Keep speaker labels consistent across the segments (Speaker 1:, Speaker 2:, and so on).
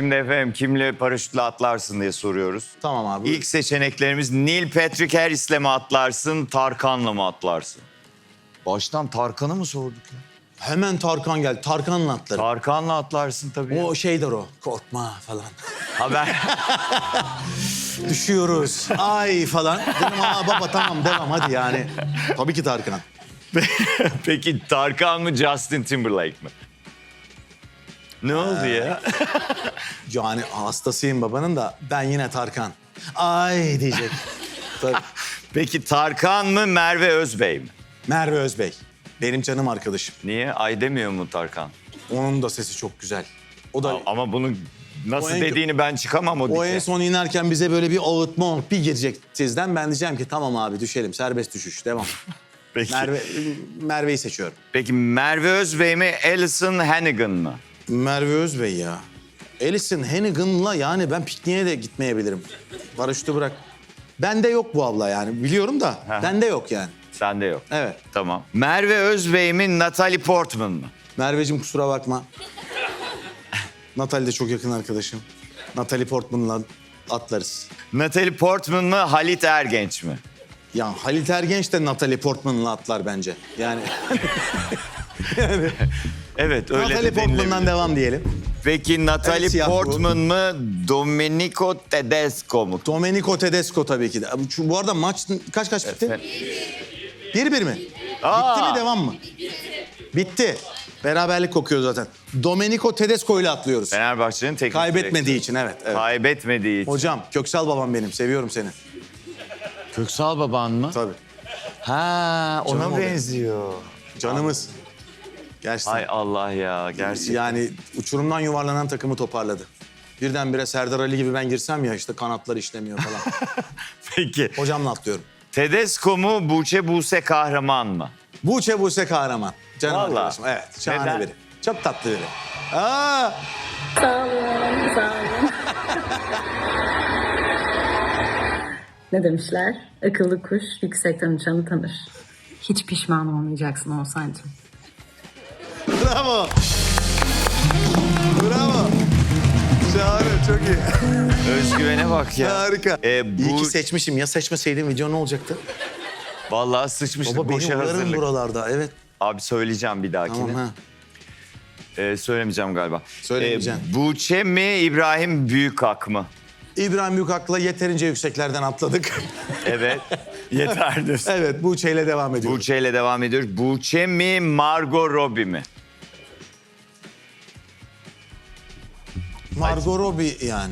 Speaker 1: Şimdi efendim kimle paraşütle atlarsın diye soruyoruz.
Speaker 2: Tamam abi.
Speaker 1: İlk seçeneklerimiz Neil Patrick Harris'le mi atlarsın, Tarkan'la mı atlarsın? Baştan Tarkan'ı mı sorduk ya?
Speaker 2: Hemen Tarkan geldi. Tarkan'la atlarım.
Speaker 1: Tarkan'la atlarsın tabii.
Speaker 2: O şeydir o. Korkma falan.
Speaker 1: Haber.
Speaker 2: Düşüyoruz. Ay falan. Dedim aa baba tamam devam hadi yani. Tabii ki Tarkan.
Speaker 1: Peki Tarkan mı Justin Timberlake mi? Ne oldu ya?
Speaker 2: Yani hastasıyım babanın da ben yine Tarkan. Ay diyecek. Tabii.
Speaker 1: Peki Tarkan mı Merve Özbey mi?
Speaker 2: Merve Özbey. Benim canım arkadaşım.
Speaker 1: Niye? Ay demiyor mu Tarkan?
Speaker 2: Onun da sesi çok güzel. O da
Speaker 1: Ama bunu nasıl
Speaker 2: O en-
Speaker 1: dediğini ben çıkamam o
Speaker 2: o
Speaker 1: dike.
Speaker 2: en son inerken bize böyle bir ağıtma bir girecek sizden. Ben diyeceğim ki tamam abi düşelim. Serbest düşüş. Devam.
Speaker 1: Peki.
Speaker 2: Merve'yi seçiyorum.
Speaker 1: Peki Merve Özbey mi Alison Hannigan mı?
Speaker 2: Merve Özbey ya. Alison Hannigan'la yani ben pikniğe de gitmeyebilirim. Paraşütü bırak. Bende yok bu abla yani biliyorum da bende yok yani.
Speaker 1: Sende yok.
Speaker 2: Evet.
Speaker 1: Tamam. Merve Özbey mi Natalie Portman mı?
Speaker 2: Merveciğim kusura bakma. Natalie de çok yakın arkadaşım. Natalie Portman'la atlarız.
Speaker 1: Natalie Portman mı Halit Ergenç mi?
Speaker 2: Ya Halit Ergenç de Natalie Portman'la atlar bence. Yani
Speaker 1: Evet öyle
Speaker 2: Natalie
Speaker 1: de
Speaker 2: Portman'dan
Speaker 1: denilebilir.
Speaker 2: devam diyelim.
Speaker 1: Peki Natalie
Speaker 2: Evet, siyah bu.
Speaker 1: Portman mı Domenico Tedesco mu?
Speaker 2: Domenico Tedesco tabii ki de. Bu arada maç kaç bitti?
Speaker 1: Efendim?
Speaker 2: 1-1 mi?
Speaker 1: Aa!
Speaker 2: Bitti mi devam mı? Bitti. Beraberlik kokuyor zaten. Domenico Tedesco ile atlıyoruz.
Speaker 1: Fenerbahçe'nin teknik
Speaker 2: Kaybetmediği
Speaker 1: direktörü.
Speaker 2: için evet.
Speaker 1: Kaybetmediği için.
Speaker 2: Hocam Köksal babam benim. Seviyorum seni.
Speaker 1: Köksal baban mı?
Speaker 2: Tabii.
Speaker 1: Ha
Speaker 2: Canım
Speaker 1: ona
Speaker 2: o benim.
Speaker 1: benziyor.
Speaker 2: Canımız. Gerçekten.
Speaker 1: Hay Allah ya gerçekten.
Speaker 2: Yani uçurumdan yuvarlanan takımı toparladı. Birdenbire Serdar Ali gibi ben girsem ya işte kanatlar işlemiyor falan.
Speaker 1: Peki.
Speaker 2: Hocamla atlıyorum.
Speaker 1: Tedesco mu Buğçe Buse Kahraman mı?
Speaker 2: Buse Kahraman. Canım
Speaker 1: Vallahi.
Speaker 2: arkadaşım. Evet. Şahane
Speaker 1: Neden?
Speaker 2: biri. Çok tatlı biri. Aa!
Speaker 3: Sağ olun, sağ olun. Ne demişler? Akıllı kuş yüksekten uçanı tanır. Hiç pişman olmayacaksın Oğuzhan'cığım.
Speaker 2: Bravo. Bravo. Şahane, çok iyi.
Speaker 1: Özgüvene bak ya.
Speaker 2: Harika. İyi
Speaker 1: Bu
Speaker 2: ki seçmişim. Ya seçmeseydim video ne olacaktı?
Speaker 1: vallahi sıçmıştık
Speaker 2: Baba beni
Speaker 1: boşa
Speaker 2: uyarın
Speaker 1: hazırlık.
Speaker 2: buralarda. Evet.
Speaker 1: Abi söyleyeceğim bir dahakine.
Speaker 2: Tamam ha.
Speaker 1: Söylemeyeceğim galiba.
Speaker 2: Söylemeyeceksin.
Speaker 1: Buğçe mi İbrahim Büyükak mı?
Speaker 2: İbrahim Büyükak'la yeterince yükseklerden atladık.
Speaker 1: Evet. Yeterdir.
Speaker 2: Evet, Buğçe'yle devam ediyoruz.
Speaker 1: Buğçe ile devam ediyoruz. Buğçe mi Margot Robbie mi?
Speaker 2: Margot Robbie yani.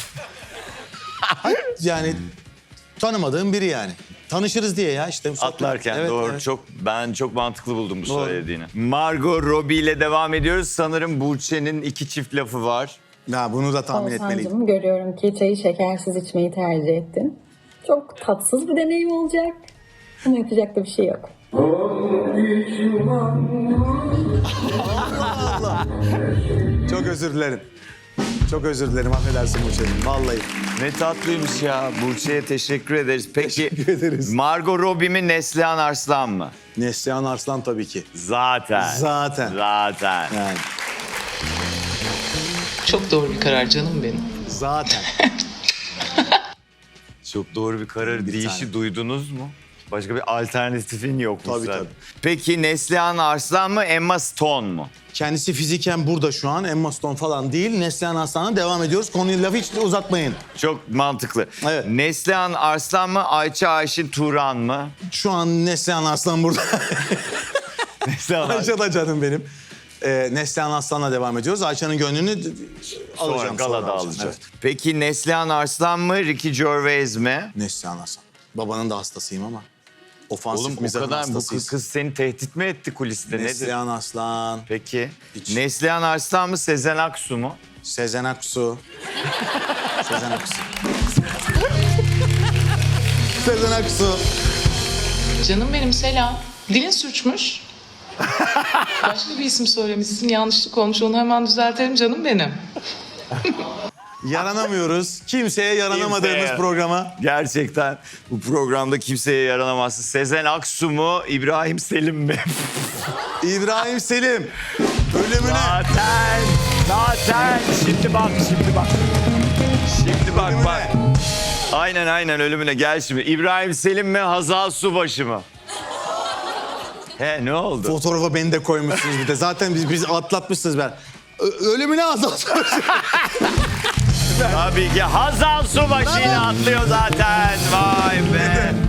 Speaker 2: Yani tanımadığım biri yani. Tanışırız diye ya işte.
Speaker 1: Atlarken
Speaker 2: Evet,
Speaker 1: doğru.
Speaker 2: evet.
Speaker 1: Ben çok mantıklı buldum bu
Speaker 2: Doğru.
Speaker 1: söylediğini. Margot Robbie ile devam ediyoruz. Sanırım Buğçe'nin 2 çift lafı var.
Speaker 2: Ya bunu da tahmin etmeliydim.
Speaker 3: Oğuzhan'cığım görüyorum ki çayı şekersiz içmeyi tercih ettin. Çok tatsız bir deneyim olacak. Ama yapacak da bir şey yok.
Speaker 2: Çok özür dilerim. Çok özür dilerim. Affedersin Buğçe'cim. Vallahi.
Speaker 1: Ne tatlıymış ya. Buğçe'ye teşekkür ederiz. Peki
Speaker 2: Teşekkür ederiz.
Speaker 1: Margot Robbie mi Neslihan Arslan mı?
Speaker 2: Neslihan Arslan tabii ki.
Speaker 1: Zaten.
Speaker 2: Zaten.
Speaker 1: Zaten.
Speaker 2: Yani
Speaker 4: Çok doğru bir karar canım benim.
Speaker 2: zaten.
Speaker 1: Çok doğru bir karar.
Speaker 2: Bir
Speaker 1: Deyişi
Speaker 2: tane.
Speaker 1: duydunuz mu? Başka bir alternatifin yok mu
Speaker 2: Tabii,
Speaker 1: zaten?
Speaker 2: tabii.
Speaker 1: Peki Neslihan Arslan mı Emma Stone mu?
Speaker 2: Kendisi fiziken burada şu an. Emma Stone falan değil. Neslihan Arslan'a devam ediyoruz. Konuyu lafı hiç uzatmayın.
Speaker 1: Çok mantıklı.
Speaker 2: Evet.
Speaker 1: Neslihan Arslan mı Ayça Ayşin Turan mı?
Speaker 2: Şu an Neslihan Arslan burada.
Speaker 1: Neslihan Arslan.
Speaker 2: Ayça da canım benim. Neslihan Arslan'la devam ediyoruz. Ayça'nın gönlünü
Speaker 1: Sonra
Speaker 2: alacağım.
Speaker 1: galada
Speaker 2: sonra
Speaker 1: alacağız.
Speaker 2: Evet.
Speaker 1: Peki Neslihan Arslan mı Ricky Gervais mi?
Speaker 2: Neslihan Arslan. Babanın da hastasıyım ama. Ofansif
Speaker 1: Oğlum o
Speaker 2: mizahın
Speaker 1: kadar bu
Speaker 2: hastasıyız.
Speaker 1: kız seni tehdit mi etti kuliste nedir?
Speaker 2: Neslihan Arslan,
Speaker 1: Peki
Speaker 2: Hiç.
Speaker 1: Neslihan Arslan mı Sezen Aksu mu?
Speaker 2: Sezen Aksu. Sezen Aksu. Sezen Aksu.
Speaker 4: Canım benim selam. Dilin sürçmüş. Başka bir isim söylemişsin. Yanlışlık olmuş. Onu hemen düzeltelim canım benim.
Speaker 2: Yaranamıyoruz. Kimseye yaranamadığımız
Speaker 1: Kimseye.
Speaker 2: programa.
Speaker 1: Gerçekten bu programda kimseye yaranamazsın. Sezen Aksu mu İbrahim Selim mi?
Speaker 2: İbrahim Selim. Ölümüne.
Speaker 1: Zaten. Zaten şimdi bak. Şimdi bak. Aynen ölümüne gel şimdi. İbrahim Selim mi Hazal Subaşı mı? He ne oldu?
Speaker 2: Fotoğrafa beni de koymuşsunuz bir de. Zaten biz atlatmışsınız ben. Ölümüne azaltmış.
Speaker 1: Tabii ki Hazal Subaşı ile atlıyor zaten. Vay be.